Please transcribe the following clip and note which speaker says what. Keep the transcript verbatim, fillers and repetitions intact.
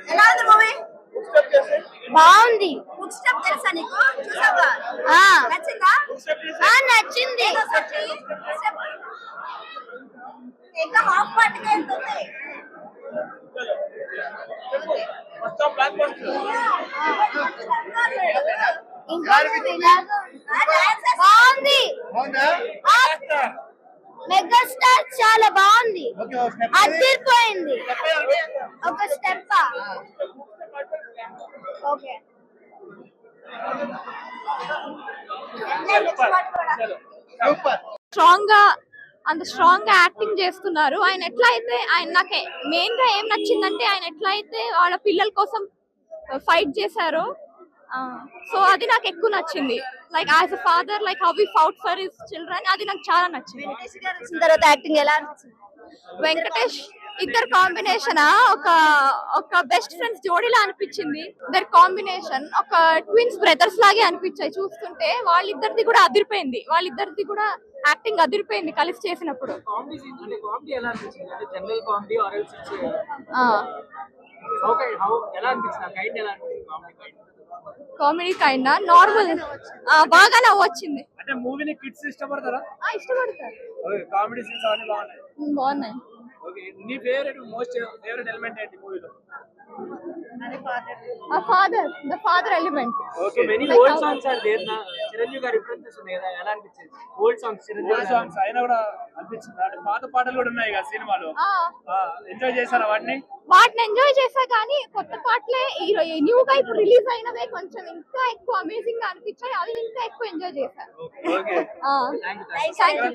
Speaker 1: ఎలా ఉంది మూవీ?
Speaker 2: బాగుంది.
Speaker 1: బుక్ స్టెప్ తెలుసా నీకు? చూసావా?
Speaker 2: ఆ
Speaker 1: నచ్చిందా?
Speaker 2: ఆ నచ్చింది.
Speaker 1: ఏదో ఒకటి step. ఇంకా హాఫ్ పార్ట్ కి వెళ్తుంది.
Speaker 2: ఇంకా బాగుంది. మెగాస్టార్ చాలా బాగుంది. అదిరిపోయింది. ఒక స్టెప్. ఓకే
Speaker 3: స్ట్రాంగ్ గా అంత స్ట్రాంగ్ గా యాక్టింగ్ చేస్తున్నారు. ఆయన ఎట్లా అయితే ఆయన నాకు మెయిన్ గా ఏం నచ్చిందంటే ఆయన ఎట్లా అయితే వాళ్ళ పిల్లల కోసం ఫైట్ చేశారో, సో అది నాకు ఎక్కువ నచ్చింది. Like as a father, like how we fought for his children, అది నాకు చాలా నచ్చింది.
Speaker 1: వెంకటేష్ గారు వచ్చిన తర్వాత యాక్టింగ్ ఎలా అనిపించింది?
Speaker 3: వెంకటేష్ ఇద్దరు కాంబినేషన్ ఒక ఒక బెస్ట్ ఫ్రెండ్స్ జోడీలా అనిపించింది. ఇద్దరు కాంబినేషన్ ఒక ట్విన్స్ బ్రదర్స్ లాగే అనిపించాయి చూస్తుంటే. వాళ్ళిద్దరిది కూడా అదిరిపోయింది. వాళ్ళిద్దరిది కూడా యాక్టింగ్ అదిరిపోయింది కలిసి చేసినప్పుడు. కామెడీ కైండ్ నార్మల్ బాగా నవ్వు వచ్చింది.
Speaker 4: అంటే మూవీని కిడ్స్ ఇష్టపడతారా?
Speaker 3: ఇష్టపడతారు.
Speaker 4: ఓకే, కామెడీ సీన్స్ అన్ని బాగున్నాయి.
Speaker 3: బాగున్నాయి.
Speaker 4: ఓకే, నీ ఫేవరెట్ మోస్ట్ ఫేవరెట్ ఎలిమెంట్ ఏంటి మూవీలో?
Speaker 3: ఆ father the father element.
Speaker 4: Okay,
Speaker 5: many old songs are there na. Chiranjeevi garu references ఉన్నాయి కదా, ఎలా అనిపించింది? ఓల్డ్ సాంగ్స్
Speaker 4: ఓల్డ్ సాంగ్స్ అయినా కూడా అనిపించింది. అంటే పాత పాటలు కూడా ఉన్నాయి కదా సినిమాలో, ఎంజాయ్ చేశారా వాటిని?
Speaker 3: వాటిని ఎంజాయ్ చేసా కానీ కొత్త పాటలే న్యూగా ఇప్పుడు రిలీజ్ అయినవే కొంచెం ఇంకా ఎక్కువ అమేజింగ్ గా అనిపించాయి. అవి ఇంకా ఎక్కువ ఎంజాయ్ చేశాను.
Speaker 4: Okay,
Speaker 3: thank you.